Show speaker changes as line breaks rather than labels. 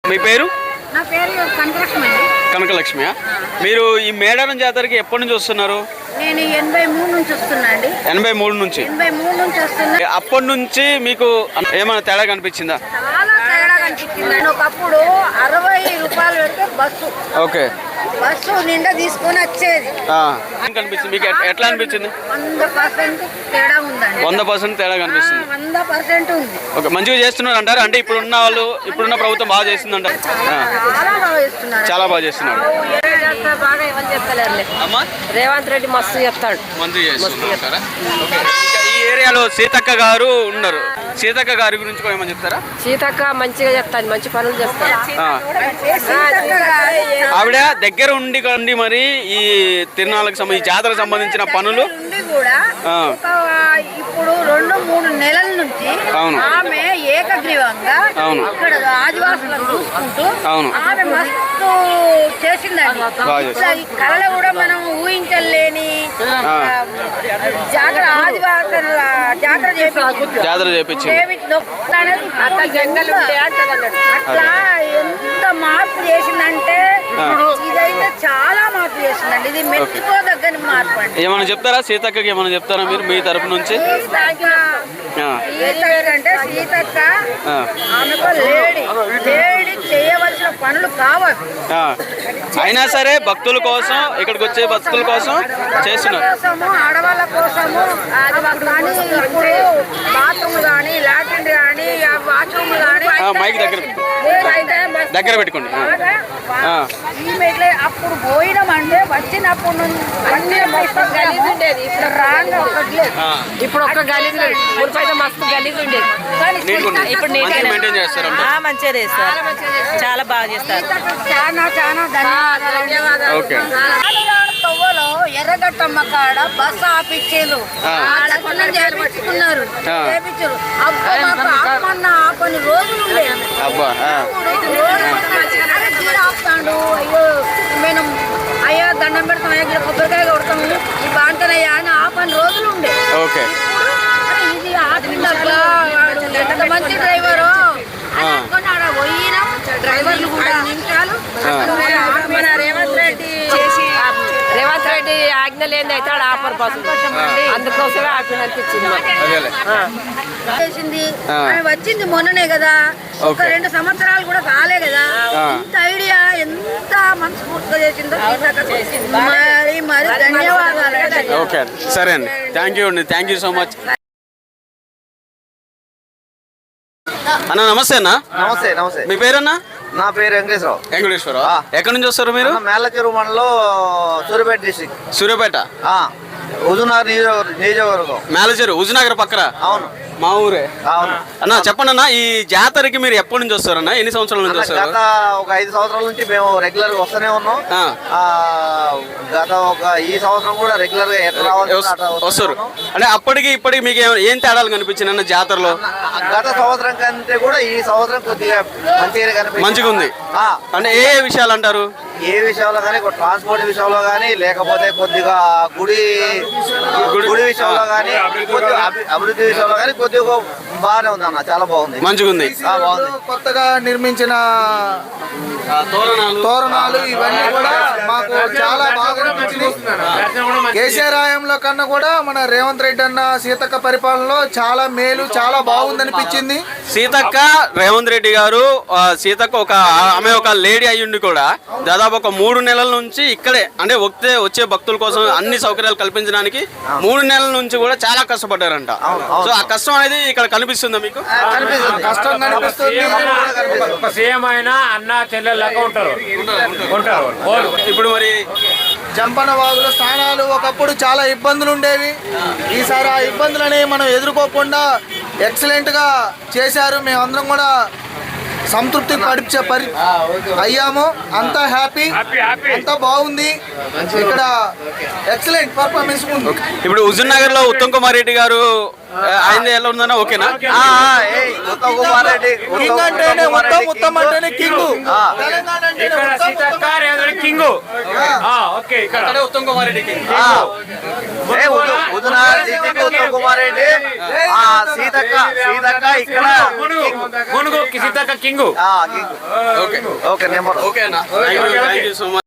మీ పేరు?
నా పేరు కనకలక్ష్మి.
కనకలక్ష్మియా? మీరు ఈ మేడారం జాతరకి ఎప్పటి నుంచి వస్తున్నారు?
నేను 83 నుంచి వస్తున్నా అండి.
83 నుంచి?
83 నుంచి వస్తున్నా.
అప్పటి నుంచి మీకు ఏమైనా తేడా కనిపించిందా?
చాలా తేడా కనిపించింది. ఒకప్పుడు 60 రూపాయలు పెడితే బస్సు,
ఓకే,
బస్సు నిండా తీసుకొని వచ్చేది.
కనిపించింది మీకు? ఎట్లా అనిపించింది?
100% తేడా ఉందండి.
100% తేడా కనిపిస్తుంది.
100% ఉంది.
ఓకే, మంచిగా చేస్తున్నారు అంటారు? అంటే ఇప్పుడున్న ప్రభుత్వం బాగా చేస్తుంది అంటారు?
చాలా బాగా చేస్తున్నారు.
చాలా బాగా చేస్తున్నారు.
బాగా ఎవరు చెప్తలేరు.
అమ్మా,
రేవంత్ రెడ్డి మస్తు చెప్తాడు.
మంచిగా చేస్తున్నారు. ఈ ఏరియాలో సీతక్క గారు ఉన్నారు. సీతక్క గారి గురించి కూడా ఏమని చెప్తారా?
సీతక్క మంచిగా చెప్తాను, మంచి పనులు చేస్తారు.
ఆవిడ దగ్గర ఉండి మరి ఈ తిరునాళ్ళకి సంబంధించి జాతరకు సంబంధించిన పనులు
కూడా ఇప్పుడు 2-3 నెలల నుంచి ఆమె ఏకగ్రీవంగా ఇక్కడ ఆదివాసులను చూసుకుంటూ ఆమె మస్తు చేసిందండి. ఈ కళలో కూడా మనం ఊహించలేని జాతర, ఆదివాసుల జాతర చేపించి అట్లా ఎంత మార్పు చేసిందంటే ఇదైతే చాలా మార్పు చేసిందండి. ఇది మెచ్చుకోదగ్గని మార్పు అండి.
ఏమైనా చెప్తారా సీతక్కకి? ఏమైనా చెప్తారా మీరు మీ తరపు నుంచి?
అంటే సీతక్క ఆమెకు లేడీ చేయవలసిన పనులు కావాలి.
అయినా సరే భక్తుల కోసం, ఇక్కడికి వచ్చే భక్తుల కోసం చేస్తున్నారు.
ఆడవాళ్ళ కోసము ఇప్పుడు బాత్రూమ్ కానీ, లాట్రిన్ కానీ, వాష్రూమ్ కానీ
మైక్ దగ్గర పెట్టుకోండి.
అప్పుడు పోయినామంటే వచ్చినప్పుడు గలీజ్ ఉండేది. ఇప్పుడు రాంగా ఇప్పుడు ఒక్క గలీజ్ లేదు. మురిపైతే మస్తు గలీజ్ ఉండేది. ఇప్పుడు
మెయింటైన్ చేస్తారు.
మంచిగా చేస్తారు, చాలా బాగా చేస్తారు. చాలా ధన్యవాదాలు. తవ్వలో ఎర్రగట్టమ్మ కాడ బస్సు ఆపిచ్చేరు, చేపించుకున్నారు. కొన్ని రోజులు ఉండేది. ఆపుతాడు, అయ్యో మేము అయ్యా దండం పెడతాం, అయ్యా కొబ్బరికాయ కొడతాము, ఈ బాంతనయ్యా అని ఆపని రోజులు ఉండే. ఇది ఆపిందక్క, ఎంత మంచి డ్రైవరు అనుకుని ఆడ పోయినా డ్రైవర్లు కూడా నిమిషాలు రేవంత్ రెడ్డి ఆజ్ఞ లేని అయితే ఆడ ఆఫర్ బస్సు, అందుకోసమే ఆజ్ఞ అనిపించింది. వచ్చింది మొన్ననే కదా, ఒక 2 సంవత్సరాలు కూడా కాలే కదా. ఇంత ఐడియా ఎంత మనస్ఫూర్తిగా చేసిందో మరి ధన్యవాదాలు.
ఓకే, సరే అండి, థ్యాంక్ యూ అండి, థ్యాంక్ యూ సో మచ్. అన్న నమస్తే. అన్న
నమస్తే. నమస్తే.
మీ పేరన్నా?
నా పేరు వెంకటేశ్వరరావు.
వెంకటేశ్వరరావు. ఎక్కడి నుంచి వస్తారు మీరు?
మేళ్ళచెరువు మండలం, సూర్యాపేట డిస్ట్రిక్ట్.
సూర్యాపేట,
హుజూర్నగర్ నియోజకవర్గం.
మేళ్ళచెరువు హుజూర్నగర్ పక్కన.
అవును,
మా ఊరే.
అవును
అన్న, చెప్పండి అన్న, ఈ జాతరకి మీరు ఎప్పటి నుంచి వస్తారన్న? ఎన్ని సంవత్సరాల నుంచి వస్తారు?
గత ఒక 5 సంవత్సరాల నుంచి మేము రెగ్యులర్ గా వస్తూనే ఉన్నాం. గత ఈ సంవత్సరం కూడా రెగ్యులర్ గా ఎట్లా
వస్తారు. అంటే అప్పటికి ఇప్పటికి మీకు ఏం తేడాలు కనిపించింది అన్న జాతరలో?
గత సంవత్సరం కంటే కూడా ఈ సంవత్సరం కొద్దిగా
మంచిగా ఉంది. అంటే ఏ విషయాలు అంటారు?
ఏ విషయంలో కానీ, ట్రాన్స్పోర్ట్ విషయంలో కానీ, లేకపోతే కొద్దిగా గుడి విషయంలో కానీ, అభివృద్ధి విషయంలో కానీ కొద్దిగా బాగానే ఉంది అన్న. చాలా బాగుంది,
మంచిగా ఉంది.
కొత్తగా నిర్మించిన తోరణాలు ఇవన్నీ కూడా మాకు చాలా బాగా నచ్చింది. కేసీఆర్ హయాంలో కన్నా కూడా మన రేవంత్ రెడ్డి అన్న సీతక్క పరిపాలనలో చాలా మేలు, చాలా బాగుందనిపించింది.
సీతక్క, రేవంత్ రెడ్డి గారు, సీతక్క ఆమె ఒక లేడీ అయ్యుండి కూడా దాదాపు ఒక 3 నెలల నుంచి ఇక్కడే, అంటే వచ్చే భక్తుల కోసం అన్ని సౌకర్యాలు కల్పించడానికి 3 నెలల నుంచి కూడా చాలా కష్టపడ్డారంట. సో ఆ కష్టం అనేది ఇక్కడ కనిపిస్తుందా మీకు?
కష్టం కనిపిస్తుంది.
ఒక సీఎం అయినా అన్న చెల్లెళ్ళగా ఉంటారు.
ఇప్పుడు మరి
జంపన వాగుల స్థానాలు ఒకప్పుడు చాలా ఇబ్బందులు ఉండేవి. ఈసారి ఆ ఇబ్బందులని మనం ఎదుర్కోకుండా ఎక్సలెంట్ గా చేశారు. మేమందరం కూడా సంతృప్తి అయ్యాము. అంతా హ్యాపీ, అంతా బాగుంది. ఇక్కడ ఎక్సలెంట్ పర్ఫార్మెన్స్ ఉంది.
ఇప్పుడు హుజూర్నగర్ లో ఉత్తమ్ కుమార్ రెడ్డి గారు ఆయన ఎలా ఉందన్నా ఓకేనా?
ఉత్తమ్ కుమార్ రెడ్డి
కింగ్ అంటేనే ఉత్తమ్ అంటేనే కింగ్.
ఆ.
తెలంగాణ అంటేనే
ఇక్కడ
ఉత్తమ్,
సీతక్క రేవంత్ రెడ్డి కింగ్. ఓకే ఇక్కడ
ఉత్తమ్ కుమార్ రెడ్డి
హుజూర్నగర్ డిస్టిక్ ఉత్తమ్ కుమార్ రెడ్డి, సీతక్క ఇక్కడ
Mulugu Seethakka king.
King. Okay number
ఓకేనా? Thank you so much.